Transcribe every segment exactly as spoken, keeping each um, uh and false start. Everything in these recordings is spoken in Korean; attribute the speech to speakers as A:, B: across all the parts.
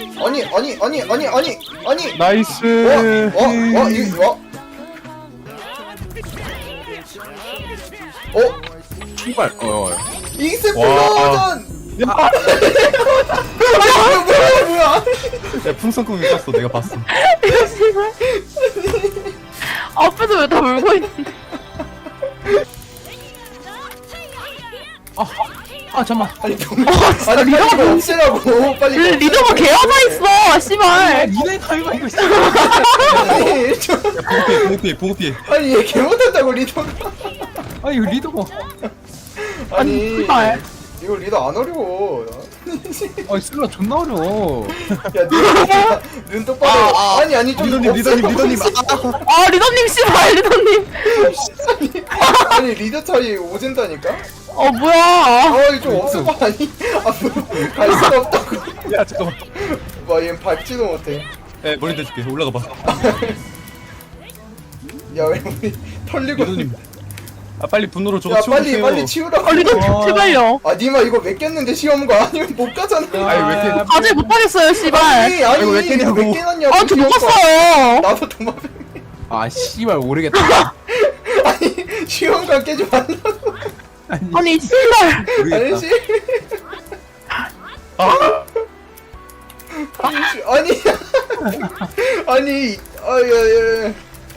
A: 아니 아니 아니 아니 아니 아니
B: 나이스.
A: 어? 어? 어? 이 어? 어?
B: 출발. 어.
A: 익스플로전!
B: 야,
A: 뭐야 뭐야 뭐야
B: 야 풍선콩이 떴어. 내가 봤어.
C: 이거 씨발. 앞에서 왜 다 물고 있는데?
B: 아 잠만.
A: 아니 병 아니 빨리 이거 없애라고 빨리 이거
C: 리더가 개화가 있어, 씨발.
B: 니네 가위가 이거 있어.
A: 아니 저
B: 봉피해, 봉피해, 봉피해.
A: 아니 얘 개못한다고 리더가
B: 아 이거 리더가.
A: 아니
C: 씨발.
A: 이거 리더 안 어려워
B: 아 슬라 존나 어려워.
A: 야눈 똑바로
B: 아, 아.
A: 아니 아니 좀
B: 리더님, 리더님, 리더님.
C: 아, 리더님, 씨발, 리더님.
A: 아니 리더 차이 오진다니까?
C: 어, 뭐야.
A: 아 이거 좀 없애봐 아니 앞으로 갈 수가 없다고
B: 야 잠깐만.
A: 와얘 밟지도 못해
B: 야 머리 대줄게. 올라가 봐.
A: 야 왜 우리 털리고
B: 리더님. 아 빨리 분노로 저거
A: 야
B: 치워주세요.
A: 빨리 빨리 치우라고
C: 아, 리더님, 제발요.
A: 아 니마 이거 몇 깼는데 시험거 아니면 못 가잖아
B: 아니 왜 이렇게.
C: 과제 못하겠어요, 씨발.
A: 아니 아니
B: 이거 왜 깼냐고.
A: 왜 깨놨냐고
C: 아, 저 못
A: 시험거.
C: 갔어요.
A: 나도 도마뱀
B: 아 씨발 모르겠다.
A: 아니 시험관 깨지 말라고
C: 아니, 씨발.
A: 아니 시 아니 시 아니 아니 아야야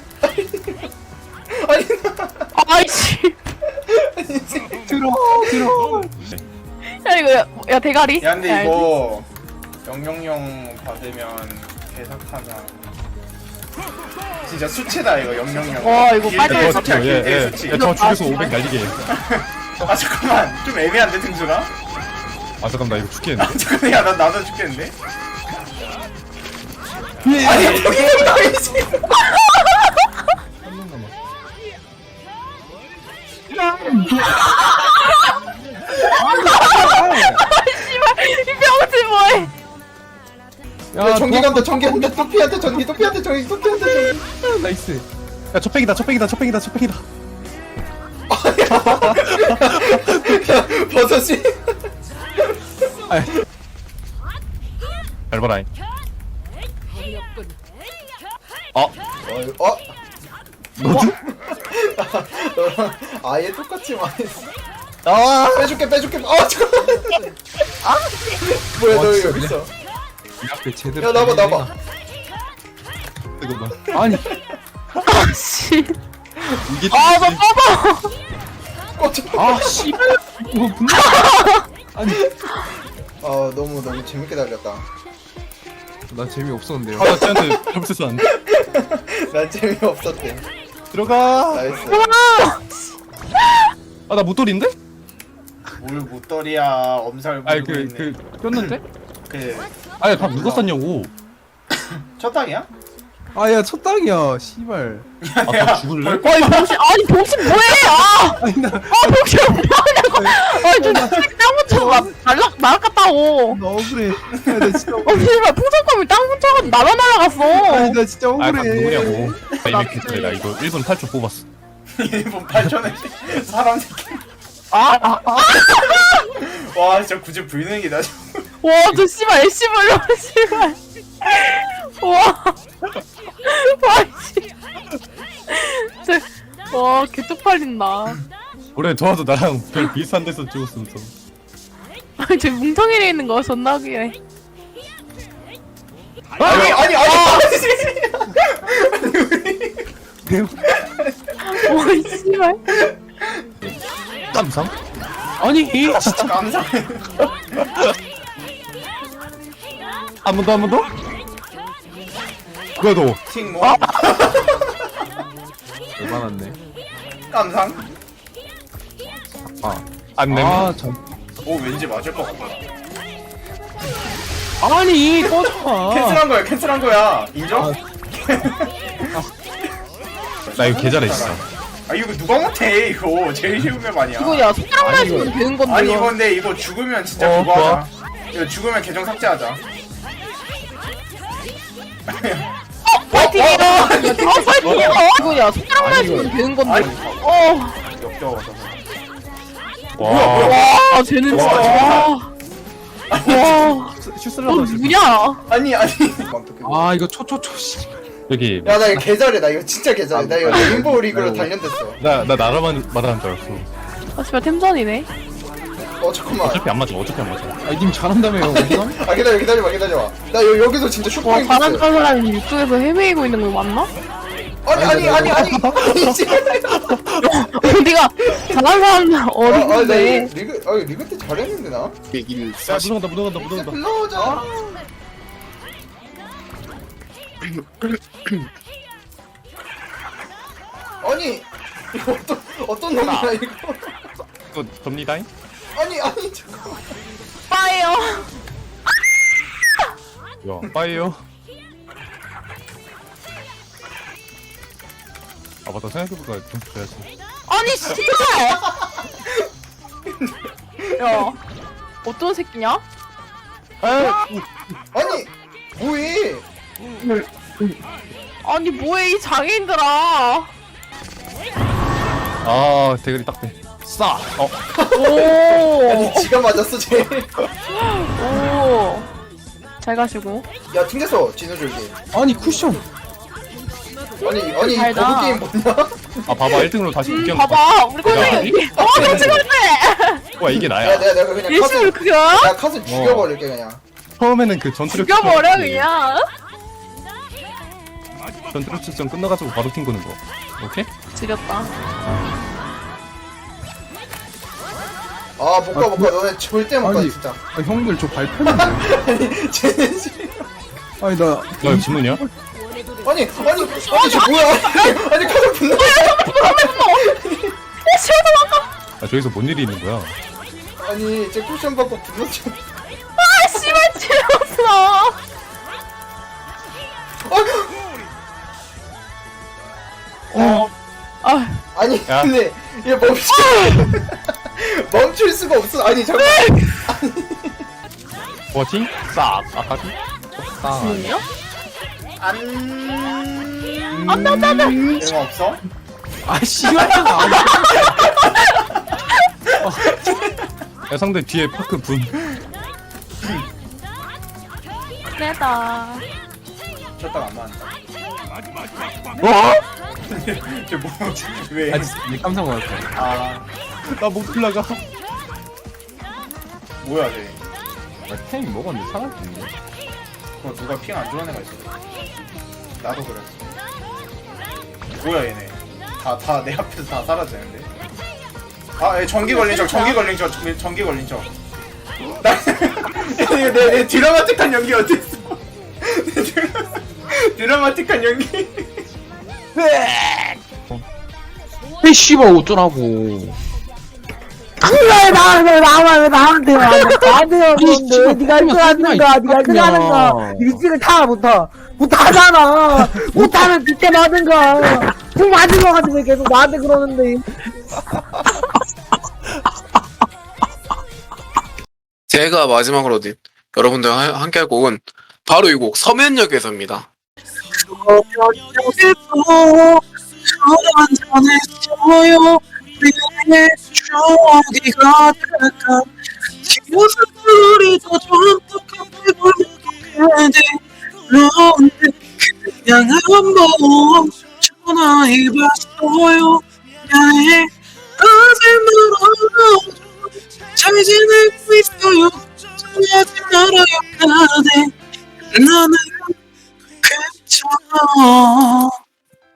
A: 아니
C: 아이씨.
B: 들어 들어.
C: 야, 이거, 야, 야 대가리.
A: 야 근데
C: 야,
A: 이거 영영영 받으면 개사타자 진짜 수치다 이거 영영영
C: 와, 이거 빨리
A: 길게
C: 해.
A: 수치야 길게 수치
B: 저 죽여서 오백 날리게.
A: 아 잠깐만 좀 애매한데 등수가?
B: 아 잠깐만 나 이거 죽겠는데.
A: 잠깐만 야나 나도 죽겠는데? 아니 여기 나이지
C: 씨발, 이 병신 뭐해.
A: 야 전기 간다 전기 간다 토피한테 전기 토피한테 전기 토피한테 전기
B: 나이스. 야 첫팩이다 첫팩이다 첫팩이다 첫팩이다.
A: 버섯이
B: 잘 봐라. 어?
A: 어? 어?
B: 너도?
A: 너랑 아예 똑같이 말했어
B: 아.
A: 빼줄게 빼줄게 아 잠깐만 아 뭐야
B: 와,
A: 너
B: 진짜
A: 여기 있어
B: 이 앞에 제대로.
A: 야 나봐 나봐
B: 잠깐만. 아니
C: 아, 씨.
B: 이게.
C: 아, 너 꺼봐.
A: 꺼져
B: 아 씨발. 이거 분노. 아니.
A: 아 너무 너무 재밌게 달렸다
B: 나 재미 없었는데요. 아나 쟤한테 점수 안 돼.
A: 난 재미없었대
B: 들어가.
A: 나이스
B: 아 나 못돌인데?
A: 뭘 못더리야 엄살
B: 아니
A: 부리고
B: 그
A: 있네
B: 그 꼈는데?
A: 그
B: 아니 다 누가 썼냐고.
A: 첫 땅이야?
D: 아야 첫 땅이야 씨발.
B: 아다 죽을래?
C: 아니, 병신, 아니, 병신 뭐해. 아,
D: 아니 나
C: 아, 병신 뭐하냐고. 아니, 저 땅 붙여서 날락, 날아갔다고.
D: 나 억울해. 야, 나 진짜
C: 어,
D: 억울해.
C: 씨발, 풍선감이 땅 붙여가지고 날아 날아갔어.
D: 아니 나 진짜
B: 아 다
D: 억울해.
B: 누구냐고. 나 이미 괜찮아. 나 이거 일 분 팔 초 뽑았어.
A: 일본 팔천에 사람 새끼
C: 아, 아, 아.
A: 와 진짜 굳이 불능이다
C: 와, 저 씨발, 애쉬 불려, 씨발. 와. 와, 씨. 저, 와, 개쪽팔린다.
B: 올해 도와도 나랑 별 비슷한 데서 찍었으면 좀.
C: 아니, 저 뭉텅이에 있는 거 존나 귀해.
A: 아니 아니 아니
C: 와, 씨발.
B: 깜상? 아니 진짜
A: 감사해
B: 한 번 더 한 번 더? 그래도
A: 킹뭐
D: 얼마났네.
A: 깜상
B: 안 내면
D: 아 참.
A: 오 왠지 맞을 것 같다
D: 아니 꺼져.
A: 캔슬한 거야 캔슬한 거야 인정?
B: 나 이거 계좌래 진짜.
A: 아 이거 누가 못해 이거 제일 쉬운 맵 아니야
C: 이거 야, 손가락 날리면 되는 건데.
A: 아니
C: 이거.
A: 이거 근데 이거 죽으면 진짜
B: 어,
A: 그거
B: 좋아.
A: 하자 이거 죽으면 계정 삭제하자
C: 파이팅이야. 아, 파이팅이야. 이거 야, 손가락 날리면 되는 건데.
A: 아니
C: 어.
A: 역겨워서
B: 와.
C: 와, 쟤는 진짜. 와. 와,
D: 슛
C: 너
D: 쓸라다 슛.
C: 누구냐?
A: 아니 아니
B: 아 이거 초초초 씨.
E: 여기
A: 야 나 이거 개잘해 나 이거 진짜 개잘해 나 이거 레인보우 리그로 단련됐어
E: 나 나 나라만 말하는 줄 알았어.
C: 아, 씨발 템전이네.
A: 어 잠깐만
E: 어차피 안 맞아. 어차피 안 맞아.
D: 아님 잘한다며요. 어디감?
A: 아 기다려 기다려봐 기다려봐 나 여, 여기서 진짜
C: 와,
A: 슈퍼인
C: 잘하는 사람이 이쪽에서 헤매이고 있는 거 맞나?
A: 아니 아니 아니 아니 아니 진짜
C: 어디가 잘하는 사람 어디
A: 아, 아, 나
C: 있는데?
A: 이거 리그 아 리그 때 잘했는데 나
E: 야 묻어간다 묻어간다 묻어간다.
A: 불러오자 아니 이거 어떤 어떤 놈이야 이거
E: 또 접니다잉?
A: 아니 아니 잠깐만
C: 빠예요.
E: 야 빠이요. 아 맞다 생각해보니까 좀 줘야지.
C: 아니 씨발! 야, 어떤 새끼냐?
A: 아니 뭐해
C: 아니 뭐해 이 장애인들아.
E: 아 대가리 딱대. 싸. 어.
C: 오,
A: 아니 지가 맞았어 쟤
C: 오. 잘 가시고.
A: 야 튕겼어 진우줄기
D: 아니 쿠션.
A: 아니 아니
C: 잘다.
A: 거부 게임 뭐냐
E: 아 봐봐 일 등으로 다시
C: 음,
E: 웃겨.
C: 봐봐, 우리 꼴등이 여기. 어, 그렇지 그렇지.
E: 와 이게
A: 야
E: 나야.
A: 내가 내가 그냥
C: 예시를
A: 카스
C: 그겨?
A: 야 카스 죽여버릴게 그냥
E: 처음에는 그 전투력
C: 죽여버려
E: 측정이지.
C: 그냥.
E: 전투력 측정 끝나가지고 바로 튕 거는 거. 오케이?
C: 지렸다.
A: 아 못 가 못 가 너네 절대 못 가
D: 아니.
A: 진짜
D: 아, 형들 저 발표는데.
A: 쟤네 지
D: 아니 나.
E: 너 이거 진우냐?
A: 아니 아니 아니 저 뭐야 아니 카스 분노
C: 어, 시원해 왔다.
E: 아 저기서 뭔 일이 있는 거야?
A: 아니 제 쿠션 받고 분노 좀
C: 아, 씨발 지렸어.
A: 어
C: 아,
A: 아니
E: 야.
A: 근데 얘 멈출 멈출 수가 없어 아니 잠깐
E: 뭐지? 싹. 아까지?
C: 지금요?
A: 안
C: 안돼 안돼 안돼.
A: 이런 거 없어
D: 아 씨발.
E: 야 상대 뒤에 파크 분.
C: 내다.
A: 쳤다가 안 맞았다
E: 와?
A: 쟤뭐왜
D: 아니 내 깜짝 놀랐어.
A: 아
E: 나못 올라가.
A: 뭐야 쟤
D: 나 템 먹었는데 살았겠네.
A: 그거 누가 핑 안 좋아하는 애가 있어 나도 그랬어 뭐야 얘네 다 다 내 앞에서 다 사라지는데 아 얘 전기 걸린 척 전기 걸린 척 전기 걸린 척나 이거 내, 내 드라마틱한 연기 어땠어 내 드라마, 드라마틱한 연기
F: 이 씨발 어쩌라고.
G: 왜 나, 왜 나만, 왜 나한테 와. 나한테
F: 이 씨발,
G: 오는데. 니가
F: 그만
G: 일등 하는 거,
F: 하지 마,
G: 니가 일등
F: 그냥.
G: 하는 거. 일찍을 타, 못하. 못하잖아. 못하면 뒷대 맞은 거. 좀 맞은 거 가지고 계속 나한테 그러는데.
H: 제가 마지막으로 어디 여러분들 와 함께 할 곡은 바로 이 곡 서면역에서입니다.
F: 전했어요. 내 추억이 가득한 기억들이 더 전tuk하게 보여도 그런데 그냥 한번 전화해봤어요. 미안해 하지 말아요. 잘 지내고 있어요. 전화하지 말아요. 그대 나는 괜찮아.